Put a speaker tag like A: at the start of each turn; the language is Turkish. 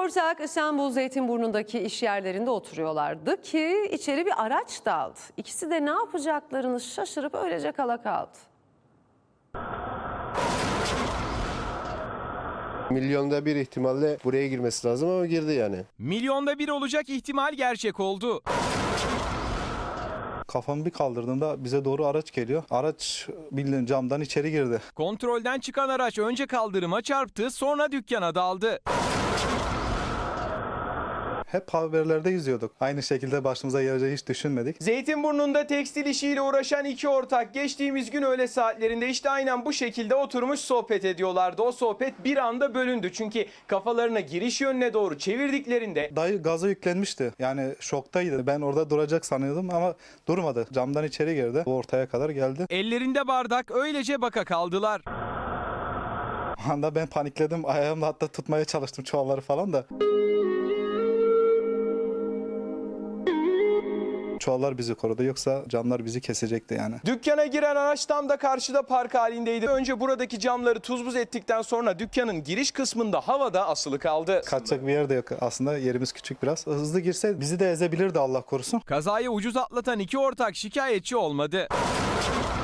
A: ortak İstanbul Zeytinburnu'ndaki iş yerlerinde oturuyorlardı ki içeri bir araç daldı. İkisi de ne yapacaklarını şaşırıp öylece kala kaldı.
B: Milyonda bir ihtimalle buraya girmesi lazım ama girdi yani.
C: Milyonda bir olacak ihtimal gerçek oldu.
D: Kafamı bir kaldırdığımda bize doğru araç geliyor. Araç bildiğin camdan içeri girdi.
C: Kontrolden çıkan araç önce kaldırıma çarptı, sonra dükkana daldı.
D: Hep haberlerde izliyorduk. Aynı şekilde başımıza geleceği hiç düşünmedik.
C: Zeytinburnu'nda tekstil işiyle uğraşan iki ortak geçtiğimiz gün öğle saatlerinde işte aynen bu şekilde oturmuş sohbet ediyorlardı. O sohbet bir anda bölündü çünkü kafalarına giriş yönüne doğru çevirdiklerinde
D: Dayı gaza yüklenmişti. Yani şoktaydı. Ben orada duracak sanıyordum ama durmadı. Camdan içeri girdi. O ortaya kadar geldi.
C: ellerinde bardak öylece baka kaldılar.
D: O anda ben panikledim. Ayağımla hatta tutmaya çalıştım çuvalları falan da. Çuvallar bizi korudu. Yoksa camlar bizi kesecekti yani.
C: Dükkana giren araç tam da karşıda park halindeydi. Önce buradaki camları tuz buz ettikten sonra dükkanın giriş kısmında havada asılı kaldı.
D: Kaçacak bir yer de yok. Aslında yerimiz küçük biraz. Hızlı girse bizi de ezebilirdi Allah korusun.
C: Kazayı ucuz atlatan iki ortak şikayetçi olmadı.